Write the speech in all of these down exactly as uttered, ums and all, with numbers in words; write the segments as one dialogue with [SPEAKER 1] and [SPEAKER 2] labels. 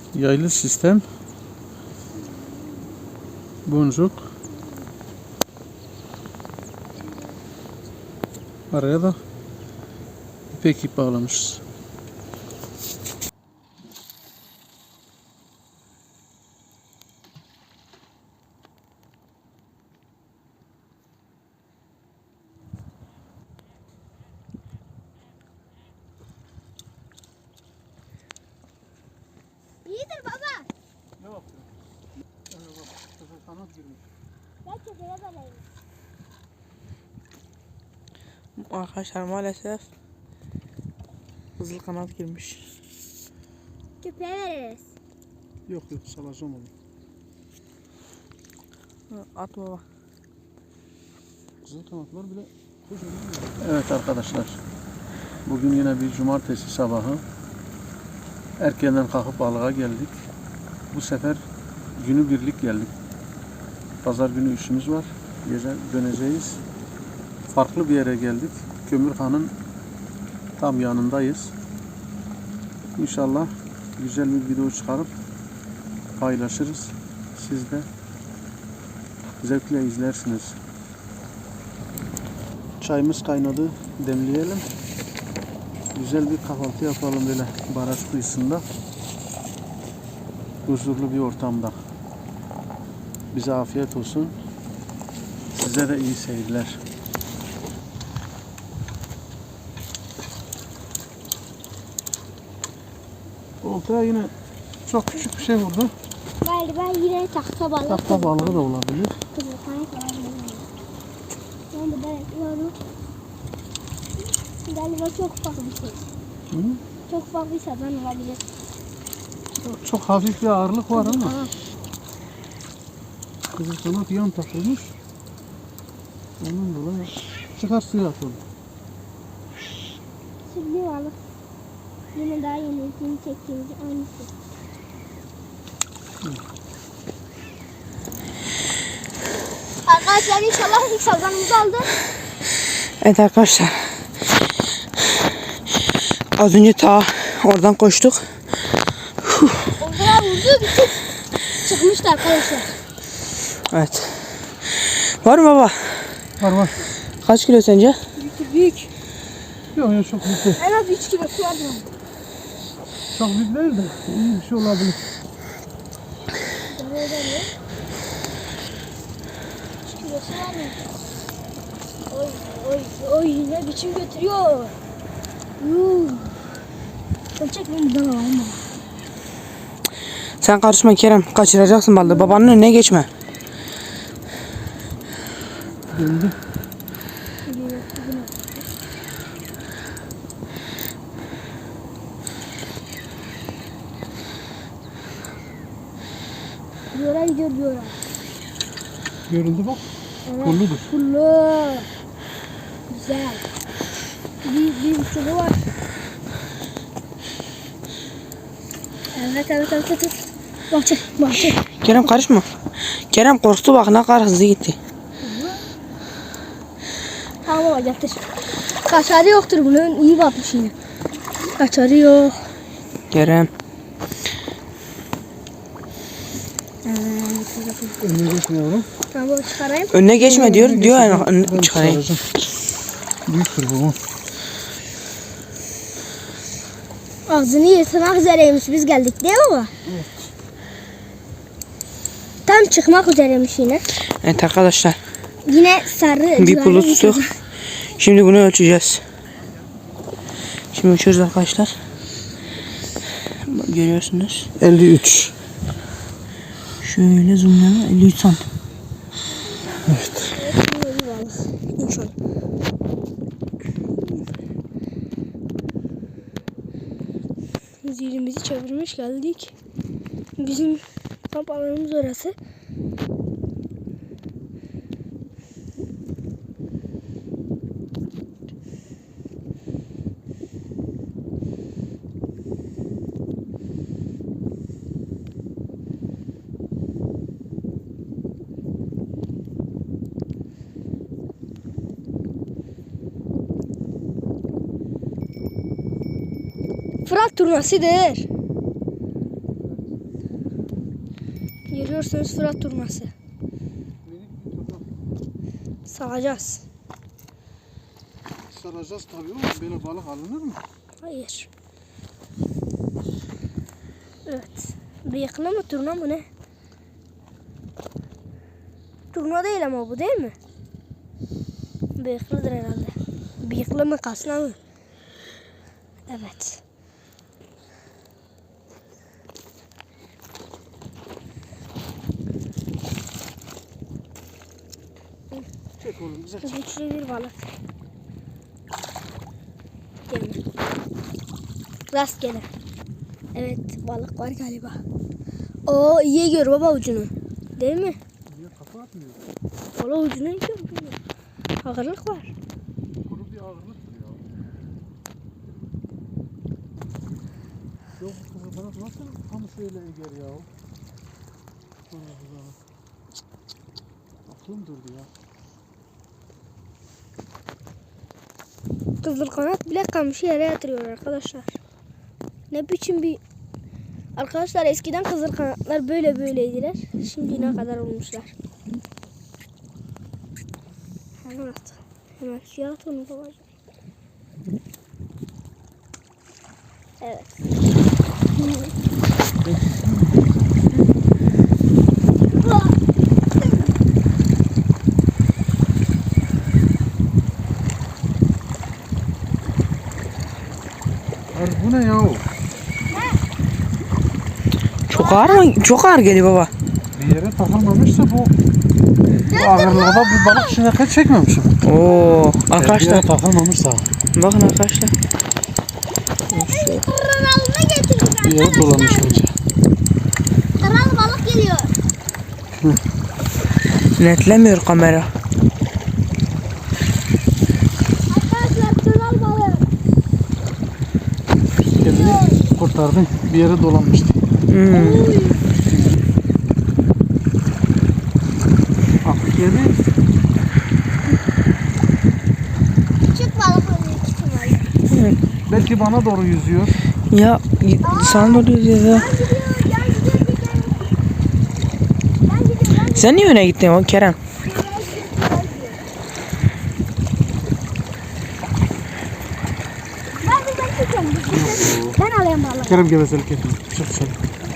[SPEAKER 1] Yaylı sistem. Boncuk. Araya da ipek ip bağlamışız.
[SPEAKER 2] İyidir baba.
[SPEAKER 1] Ne yaptın? Kanat girmiş.
[SPEAKER 2] Belki de yapalayım.
[SPEAKER 3] Arkadaşlar maalesef kızıl kanat girmiş.
[SPEAKER 2] Köpeğe veririz.
[SPEAKER 1] Yok yok salacağım onu.
[SPEAKER 3] At baba.
[SPEAKER 1] Kızıl kanatlar bile kocaman. Evet arkadaşlar. Bugün yine bir cumartesi sabahı. Erkenden kalkıp balığa geldik. Bu sefer günü birlik geldik. Pazar günü işimiz var. Gece döneceğiz. Farklı bir yere geldik. Kömürhan'ın tam yanındayız. İnşallah güzel bir video çıkarıp paylaşırız. Siz de zevkle izlersiniz. Çayımız kaynadı. Demleyelim. Güzel bir kahvaltı yapalım böyle baraj kıyısında. Huzurlu bir ortamda. Bize afiyet olsun. Size de iyi seyirler. Oltaya yine çok küçük bir şey vurdu.
[SPEAKER 2] Galiba yine tahta balığı.
[SPEAKER 1] Tahta balığı da olabilir.
[SPEAKER 2] Kızıl kanat var. Ben de bekliyorum. Galiba çok ufak bir şey.
[SPEAKER 1] Hı?
[SPEAKER 2] Çok ufak bir sazan olabilir.
[SPEAKER 1] Çok, çok hafif bir ağırlık var ama.
[SPEAKER 2] Aha.
[SPEAKER 1] Kızıl kanat yan takılmış. Ondan dolayı çıkar suya at onu.
[SPEAKER 2] Sürgün balık. Yine daha yenisini çektiğimiz aynısı.
[SPEAKER 1] Hı.
[SPEAKER 2] Arkadaşlar inşallah ilk sazanımızı aldı.
[SPEAKER 3] Evet arkadaşlar. Az önce ta oradan koştuk.
[SPEAKER 2] O kadar vurdu bir tık çıkmıştı arkadaşlar.
[SPEAKER 3] Evet. Var mı baba?
[SPEAKER 1] Var var.
[SPEAKER 3] Kaç kilo sence?
[SPEAKER 2] Büyük büyük.
[SPEAKER 1] Yok yok çok büyük değil.
[SPEAKER 2] En az üç kilosu vardı.
[SPEAKER 1] Çok büyük değil de iyi bir şey olabilir.
[SPEAKER 2] Böyle mi? üç kilosu var mı? Oy oy oy ne biçim götürüyor. Yuh. Ölçek mi buradan alalım?
[SPEAKER 3] Sen karışma Kerem. Kaçıracaksın balığı. Babanın önüne geçme.
[SPEAKER 1] Döndü.
[SPEAKER 2] Diyorlar gidiyor diyorlar.
[SPEAKER 1] Görüldü bak.
[SPEAKER 2] Evet.
[SPEAKER 1] Pulludur.
[SPEAKER 2] Pullu. Güzel. Bir, bir buçuğu var. Evet evet evet evet. Bahçe bahçe.
[SPEAKER 3] Kerem karışma. Kerem korktu bak ne kadar hızlı gitti.
[SPEAKER 2] Tamam baba getir. Kaçarı yoktur bunun. İyi batmış yine. Kaçarı yok.
[SPEAKER 3] Kerem.
[SPEAKER 1] Önüne geçmiyorum.
[SPEAKER 2] Tamam baba çıkarayım.
[SPEAKER 3] Önüne geçme diyor. Diyor yani önüne
[SPEAKER 1] Ben
[SPEAKER 3] çıkarayım.
[SPEAKER 1] çıkaracağım. Büyüktür bu.
[SPEAKER 2] Ağzını yırtmak üzereymiş. Biz geldik değil mi baba?
[SPEAKER 1] Evet.
[SPEAKER 2] Tam çıkmak üzereymiş yine.
[SPEAKER 3] Evet arkadaşlar.
[SPEAKER 2] Yine sarı.
[SPEAKER 3] Bir
[SPEAKER 2] civarı
[SPEAKER 3] pulu tuttuk.
[SPEAKER 2] sazan.
[SPEAKER 3] Şimdi bunu ölçeceğiz. Şimdi ölçüyoruz arkadaşlar. Bak, görüyorsunuz.
[SPEAKER 1] elli üç.
[SPEAKER 3] Şöyle zoomlayalım. elli üç santim.
[SPEAKER 1] Evet.
[SPEAKER 2] İnşallah. Zilimizi çevirmiş geldik. Bizim kamp alanımız orası. Fırat turnasıdır. görüyorsunuz Fırat turnası.
[SPEAKER 1] Minik bir turna.
[SPEAKER 2] Salacağız.
[SPEAKER 1] Saracağız tabii ama böyle balık alınır mı?
[SPEAKER 2] Hayır. Evet. Bıyıklı mı turna mı ne? Turna değil ama bu değil mi? Bıyıklıdır herhalde. Bıyıklı mı kasna mı? Evet.
[SPEAKER 1] Çek oğlum güzel çek.
[SPEAKER 2] Güçlü bir balık. Demir. Rastgele. Evet balık var galiba. Oo iyi gör baba ucunu. Değil mi?
[SPEAKER 1] Niye kafa atmıyor?
[SPEAKER 2] Valla ucunu iyi gör. Ağırlık var.
[SPEAKER 1] Kuru bir ağırlıktır ya. Yok bu kızı bana nasıl tam şöyle eger ya. Allah Allah. Aklım durdu ya.
[SPEAKER 2] Kızıl kanat bile kamışı yere yatırıyor arkadaşlar. Ne biçim bir... Arkadaşlar eskiden kızıl kanatlar böyle böyleydiler. Şimdi ne kadar olmuşlar. Hemen at. Hemen suya at onu babacığım. Evet.
[SPEAKER 1] Abi bu ne ya?
[SPEAKER 3] Çok ağır mı? Çok ağır geliyor baba.
[SPEAKER 1] Bir yere takılmamışsa bu bu ağırlığa bir balık şineket çekmemişim.
[SPEAKER 3] Oo
[SPEAKER 1] Bir
[SPEAKER 3] arkadaşlar
[SPEAKER 1] yere takılmamışsa
[SPEAKER 3] bakın arkadaşlar.
[SPEAKER 2] Kralına getirdik
[SPEAKER 1] bir yere dolanmış bence.
[SPEAKER 2] Kral balık geliyor.
[SPEAKER 3] Netlemiyor kamera.
[SPEAKER 2] Arkadaşlar kral balık.
[SPEAKER 1] Kendini kurtardın. Bir yere dolanmıştı.
[SPEAKER 3] Hmm.
[SPEAKER 1] Aklı geldi.
[SPEAKER 2] Küçük balık oluyor küçük balık.
[SPEAKER 1] Belki bana doğru yüzüyor.
[SPEAKER 3] Ya sana ne oluyor ya?
[SPEAKER 2] Ben gidiyor, ben gidiyor, ben gidiyor, ben
[SPEAKER 3] Sen niye öne gittin o Kerem?
[SPEAKER 2] Ben de ben tutuyorum. Ben alayım balığı.
[SPEAKER 1] Kerem gevezelik etme. Çık dışarı.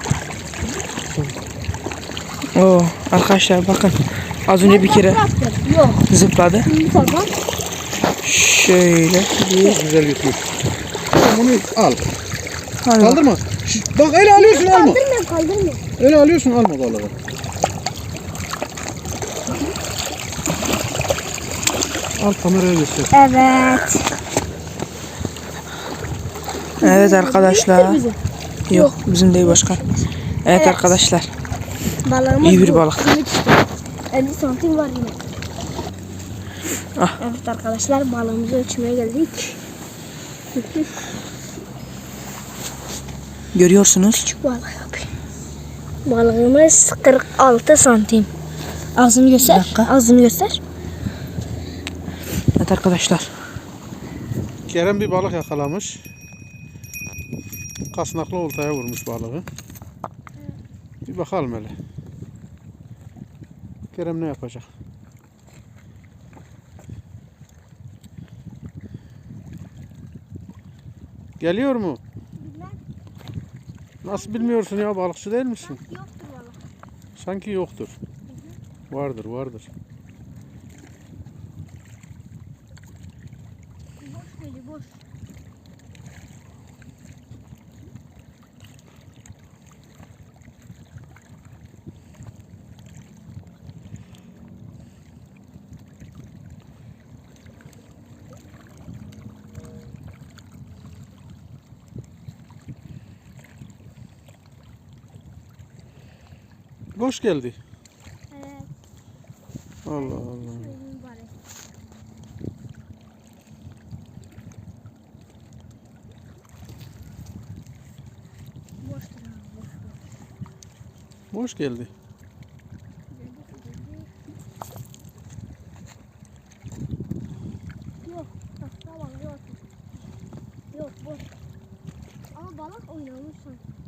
[SPEAKER 3] Oo arkadaşlar bakın. Az önce bir kere
[SPEAKER 2] Yok.
[SPEAKER 3] zıpladı.
[SPEAKER 2] Tamam.
[SPEAKER 3] Şöyle.
[SPEAKER 1] Çok güzel götürüyor. Tamam bunu al.
[SPEAKER 3] Hadi bak.
[SPEAKER 1] Kaldırma. Şş, bak öyle alıyorsun alma.
[SPEAKER 2] Kaldırmıyorum, kaldırmıyorum.
[SPEAKER 1] Öyle alıyorsun alma balığı. Al kameraya göster.
[SPEAKER 2] Evet.
[SPEAKER 3] Evet arkadaşlar.
[SPEAKER 2] Bizim.
[SPEAKER 3] Yok bizim değil başkan. Evet,
[SPEAKER 2] Evet.
[SPEAKER 3] arkadaşlar.
[SPEAKER 2] Balığımız
[SPEAKER 3] İyi bir
[SPEAKER 2] bu.
[SPEAKER 3] balık.
[SPEAKER 2] Simit işte. elli santim var yine.
[SPEAKER 3] Ah.
[SPEAKER 2] Evet arkadaşlar balığımızı ölçmeye geldik.
[SPEAKER 3] Görüyorsunuz.
[SPEAKER 2] Küçük balık yapayım. Balığımız kırk altı santim. Ağzını göster.
[SPEAKER 3] Bir dakika.
[SPEAKER 2] Ağzını göster.
[SPEAKER 3] Evet arkadaşlar.
[SPEAKER 1] Kerem bir balık yakalamış. Kasnaklı oltaya vurmuş balığı. Bir bakalım hele. Kerem ne yapacak? Geliyor mu?
[SPEAKER 2] Bilmem.
[SPEAKER 1] Nasıl bilmiyorsun ya, balıkçı değil misin?
[SPEAKER 2] Yoktur balık.
[SPEAKER 1] Sanki yoktur. Vardır vardır.
[SPEAKER 2] Boş geliyor boş.
[SPEAKER 1] Boş geldi.
[SPEAKER 2] Evet.
[SPEAKER 1] Allah Allah.
[SPEAKER 2] Söyleyeyim bari. Boştur abi, boş, boş.
[SPEAKER 1] Boş geldi.
[SPEAKER 2] Yok. Hasta balığı yok. Yok boş. Ama balık oynamış sanki.